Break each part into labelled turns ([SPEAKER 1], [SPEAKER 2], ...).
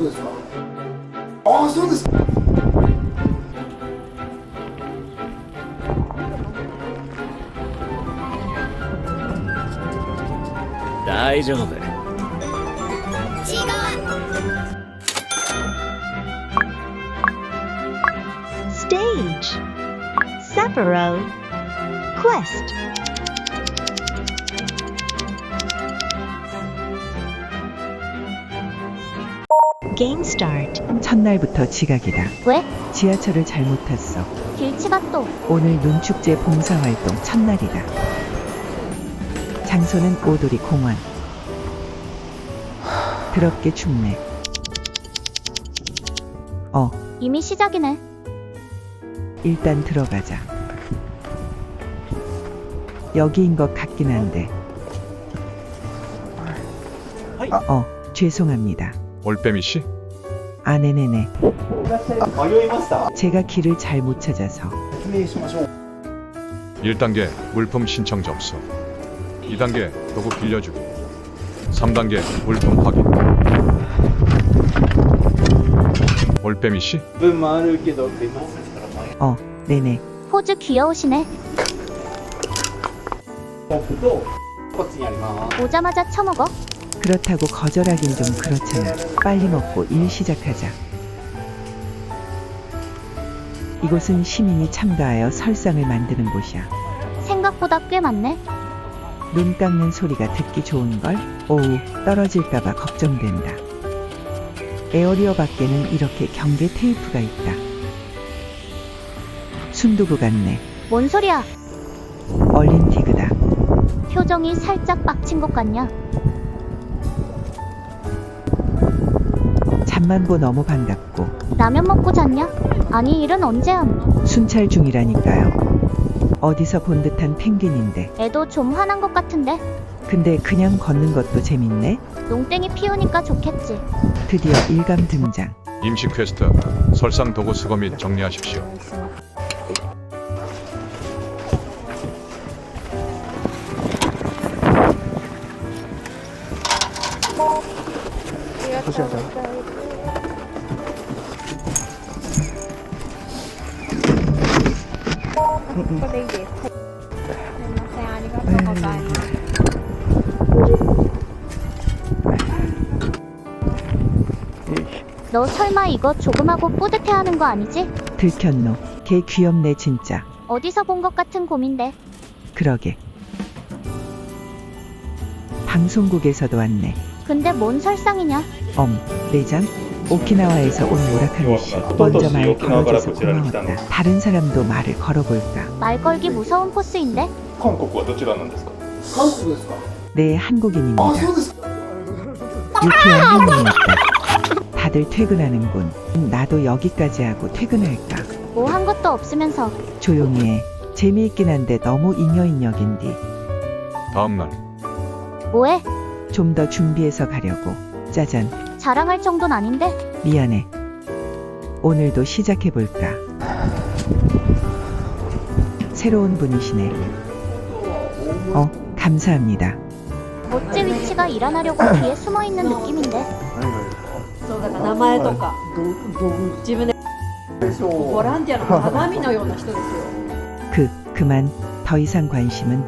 [SPEAKER 1] そうですか。ああ、そうです。
[SPEAKER 2] 大丈夫。
[SPEAKER 3] Stage Sapporo Quest Game Start
[SPEAKER 4] 첫날부터 지각이다.
[SPEAKER 5] 왜?
[SPEAKER 4] 지하철을 잘못 탔어.
[SPEAKER 5] 길치가 또
[SPEAKER 4] 오늘 눈축제 봉사활동 첫날이다. 장소는 오도리 공원. 더럽게 춥네.
[SPEAKER 5] 이미 시작이네.
[SPEAKER 4] 일단 들어가자. 여기인 것 같긴 한데. 죄송합니다.
[SPEAKER 6] 올빼미 씨?
[SPEAKER 4] 아, 네네네. 제가 길을 잘 못 찾아서.
[SPEAKER 6] 1단계 물품 신청 접수. 2단계 도구 빌려주기. 3단계 물품 확인. 올빼미 씨?
[SPEAKER 4] 네네.
[SPEAKER 5] 포즈 귀여우시네. 오자마자 처먹어.
[SPEAKER 4] 그렇다고 거절하긴 좀 그렇잖아. 빨리 먹고 일 시작하자. 이곳은 시민이 참가하여 설상을 만드는 곳이야.
[SPEAKER 5] 생각보다 꽤 많네.
[SPEAKER 4] 눈 깎는 소리가 듣기 좋은걸? 오우, 떨어질까봐 걱정된다. 에어리어 밖에는 이렇게 경계 테이프가 있다. 순두부 같네.
[SPEAKER 5] 뭔 소리야?
[SPEAKER 4] 얼린티그다.
[SPEAKER 5] 표정이 살짝 빡친 것 같냐?
[SPEAKER 4] 잠만 보 너무 반갑고.
[SPEAKER 5] 라면 먹고 잤냐? 아니 일은 언제 함?
[SPEAKER 4] 순찰 중이라니까요. 어디서 본 듯한 펭귄인데.
[SPEAKER 5] 애도 좀 화난 것 같은데.
[SPEAKER 4] 근데 그냥 걷는 것도 재밌네.
[SPEAKER 5] 농땡이 피우니까 좋겠지.
[SPEAKER 4] 드디어 일감 등장.
[SPEAKER 6] 임시 퀘스트 설상 도구 수거 및 정리하십시오.
[SPEAKER 5] 너 설마 이거 조금하고 뿌듯해하는 거 아니지?
[SPEAKER 4] 들켰노. 걔 귀엽네 진짜.
[SPEAKER 5] 어디서 본 것 같은 곰인데.
[SPEAKER 4] 그러게. 방송국에서도 왔네.
[SPEAKER 5] 근데 뭔 설상이냐?
[SPEAKER 4] 내장? 오키나와에서 온 오라카미 씨. 먼저 말 걸어줘서 고마웠다. 다른 사람도 말을 걸어볼까?
[SPEAKER 5] 말 걸기 무서운 포스인데?
[SPEAKER 6] 韓国はどちらなんですか?
[SPEAKER 1] 韓国ですか。
[SPEAKER 4] 네, 한국인입니다.
[SPEAKER 1] ああ、そうですか。
[SPEAKER 4] 유쾌한 흥미있다. 다들 퇴근하는군. 나도 여기까지 하고 퇴근할까?
[SPEAKER 5] 뭐 한 것도 없으면서.
[SPEAKER 4] 조용히 해. 재미있긴 한데 너무 잉여인역인디.
[SPEAKER 6] 다음날
[SPEAKER 5] 뭐해?
[SPEAKER 4] 좀 더 준비해서 가려고. 짜잔.
[SPEAKER 5] 자랑할 정도는 아닌데?
[SPEAKER 4] 미안해. 오늘도 시작해볼까? 새로운 분이시네. 감사합니다.
[SPEAKER 5] 못제 위치가 일어나려고 뒤에 숨어있는 느낌인데.
[SPEAKER 7] そうだから名前とか自分でボランティアの鏡のような人ですよ。
[SPEAKER 4] 그만. 더 이상 관심은.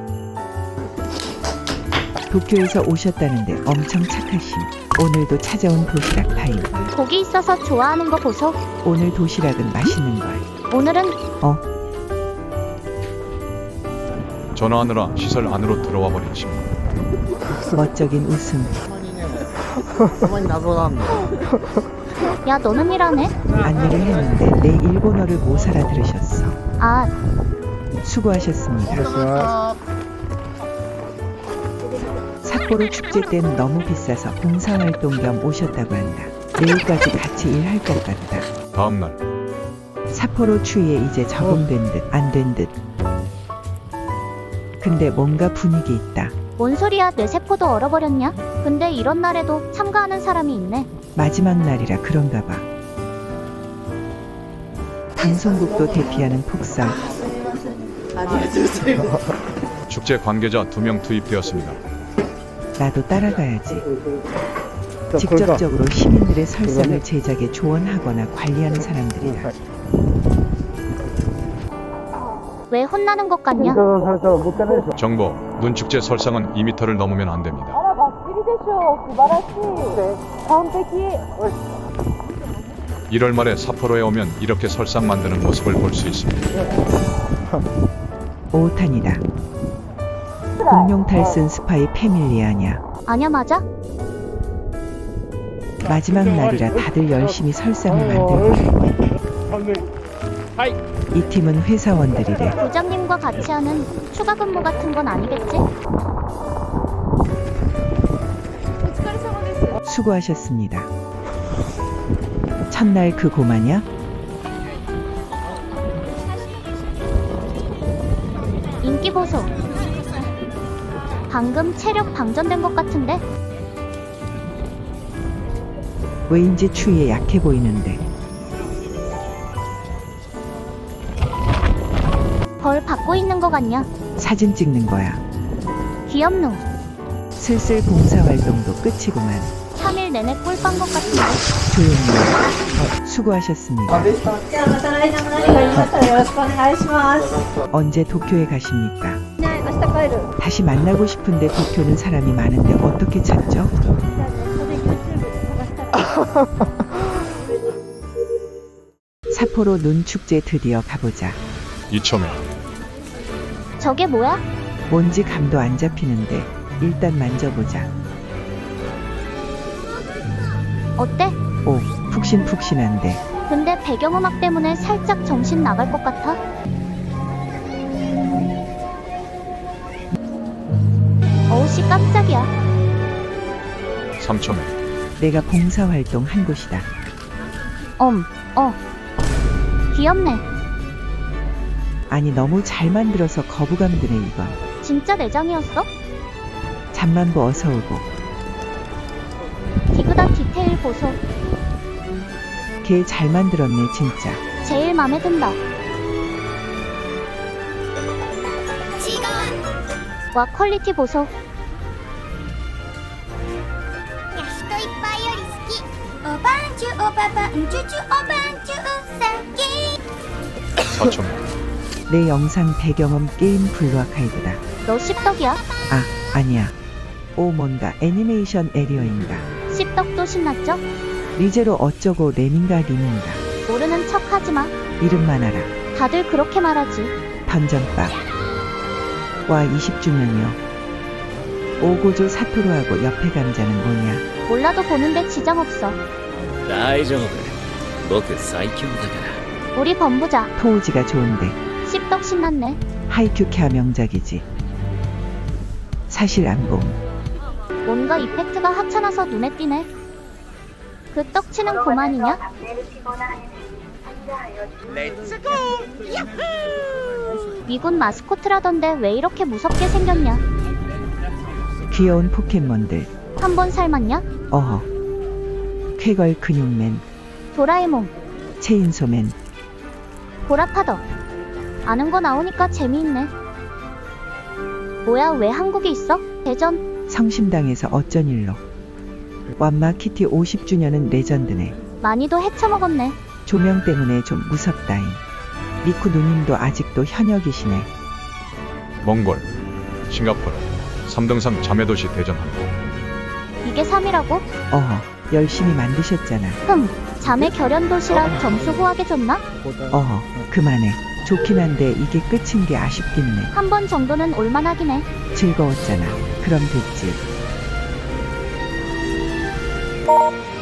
[SPEAKER 4] 도쿄에서 오셨다는데 엄청 착하심. 오늘도 찾아온 도시락 타임.
[SPEAKER 5] 고기 있어서 좋아하는 거 보소.
[SPEAKER 4] 오늘 도시락은 맛있는 걸.
[SPEAKER 5] 오늘은
[SPEAKER 6] 전화하느라 시설 안으로 들어와 버린 친구.
[SPEAKER 4] 멋쩍인 웃음.
[SPEAKER 5] 야 너는 일하네?
[SPEAKER 4] 안내를 했는데 내 일본어를 못 알아들으셨어.
[SPEAKER 5] 아
[SPEAKER 4] 수고하셨습니다. 삿포로 축제 땐 너무 비싸서 봉사활동 겸 오셨다고 한다. 내일까지 같이 일할 것 같다.
[SPEAKER 6] 다음날
[SPEAKER 4] 삿포로 추위에 이제 적응된 듯 안 된 듯. 근데 뭔가 분위기 있다.
[SPEAKER 5] 뭔 소리야 내 세포도 얼어버렸냐? 근데 이런 날에도 참가하는 사람이 있네.
[SPEAKER 4] 마지막 날이라 그런가 봐. 방송국도 대피하는 폭설.
[SPEAKER 6] 축제 관계자 2명 투입되었습니다.
[SPEAKER 4] 나도 따라가야지. 직접적으로 시민들의 설상을 제작에 조언하거나 관리하는 사람들이다.
[SPEAKER 5] 왜 혼나는 것 같냐?
[SPEAKER 6] 정보, 눈축제 설상은 2m를 넘으면 안 됩니다. 일월 말에 삿포로에 오면 이렇게 설상 만드는 모습을 볼 수 있습니다.
[SPEAKER 4] 오탄이다. 공룡 탈슨 스파이 패밀리아냐.
[SPEAKER 5] 아냐 맞아?
[SPEAKER 4] 마지막 날이라 다들 열심히 설상을 만들고 이 팀은 회사원들이래.
[SPEAKER 5] 부장님과 같이 하는 추가 근무 같은 건 아니겠지?
[SPEAKER 4] 수고하셨습니다. 첫날 그 고마냐?
[SPEAKER 5] 인기 보소. 방금 체력 방전된 것 같은데?
[SPEAKER 4] 왜인지 추위에 약해 보이는데.
[SPEAKER 5] 벌 받고 있는 거 같냐?
[SPEAKER 4] 사진 찍는 거야.
[SPEAKER 5] 귀엽누.
[SPEAKER 4] 슬슬 봉사활동도 끝이구만.
[SPEAKER 5] 3일 내내 꿀빤 것 같은데?
[SPEAKER 4] 조용히. 수고하셨습니다.
[SPEAKER 7] じゃあまた来年も何かありましたらよろしくお願いします。
[SPEAKER 4] 언제 도쿄에 가십니까?
[SPEAKER 7] ね、明日帰る。
[SPEAKER 4] 다시 만나고 싶은데 도쿄는 사람이 많은데 어떻게 찾죠?
[SPEAKER 7] じゃあネットで YouTube で探したら。
[SPEAKER 4] 삿포로 눈축제 드디어 가보자.
[SPEAKER 6] 이첨에
[SPEAKER 5] 저게 뭐야?
[SPEAKER 4] 뭔지 감도 안 잡히는데 일단 만져보자.
[SPEAKER 5] 어때?
[SPEAKER 4] 오, 푹신푹신한데.
[SPEAKER 5] 근데 배경음악 때문에 살짝 정신 나갈 것 같아? 어우씨 깜짝이야.
[SPEAKER 6] 3첨에
[SPEAKER 4] 내가 봉사활동 한 곳이다.
[SPEAKER 5] 귀엽네.
[SPEAKER 4] 아니 너무 잘 만들어서 거부감 드네 이건.
[SPEAKER 5] 진짜 내장이었어?
[SPEAKER 4] 잠만보 어서 오고.
[SPEAKER 5] 디그다 디테일 보소.
[SPEAKER 4] 걔 잘 만들었네 진짜.
[SPEAKER 5] 제일 맘에 든다. 와 퀄리티 보소.
[SPEAKER 8] 人いっぱいより好きおばんちゅおばばんちゅちゅおばんちゅうさき
[SPEAKER 6] 4첨에
[SPEAKER 4] 내 영상 배경음 게임 블루 아카이브다.
[SPEAKER 5] 너 씹덕이야?
[SPEAKER 4] 아, 아니야. 오 뭔가 애니메이션 에리어인가.
[SPEAKER 5] 씹덕도 신났죠?
[SPEAKER 4] 리제로 어쩌고 램인가 림인가.
[SPEAKER 5] 모르는 척 하지마.
[SPEAKER 4] 이름만 알아.
[SPEAKER 5] 다들 그렇게 말하지.
[SPEAKER 4] 던전밥. 와 20주년이요. 오고조 사토루하고 옆에 감자는 뭐냐.
[SPEAKER 5] 몰라도 보는데 지장 없어.
[SPEAKER 2] 大丈夫僕最強だから。
[SPEAKER 5] 우리 범부자.
[SPEAKER 4] 토우지가 좋은데.
[SPEAKER 5] 씹덕 신났네.
[SPEAKER 4] 하이큐캬 명작이지. 사실 안 봄.
[SPEAKER 5] 뭔가 이펙트가 하찮아서 눈에 띄네. 그 떡치는 고만이냐? 미군 마스코트라던데 왜 이렇게 무섭게 생겼냐?
[SPEAKER 4] 귀여운 포켓몬들.
[SPEAKER 5] 한 번 삶았냐?
[SPEAKER 4] 어허. 쾌걸 근육맨.
[SPEAKER 5] 도라에몽,
[SPEAKER 4] 체인소맨.
[SPEAKER 5] 보라파더. 아는 거 나오니까 재미있네. 뭐야 왜 한국에 있어? 대전.
[SPEAKER 4] 성심당에서 어쩐 일로. 완마 키티 50주년은 레전드네.
[SPEAKER 5] 많이도 헤쳐먹었네.
[SPEAKER 4] 조명 때문에 좀 무섭다잉. 리쿠 누님도 아직도 현역이시네.
[SPEAKER 6] 몽골, 싱가포르, 3등상 자매도시 대전 항구.
[SPEAKER 5] 이게 3이라고?
[SPEAKER 4] 어허. 열심히 만드셨잖아.
[SPEAKER 5] 자매 결연 도시락 점수 후하게 줬나?
[SPEAKER 4] 어허. 그만해. 좋긴 한데 이게 끝인 게 아쉽긴 해.
[SPEAKER 5] 한 번 정도는 올만하긴 해.
[SPEAKER 4] 즐거웠잖아. 그럼 됐지.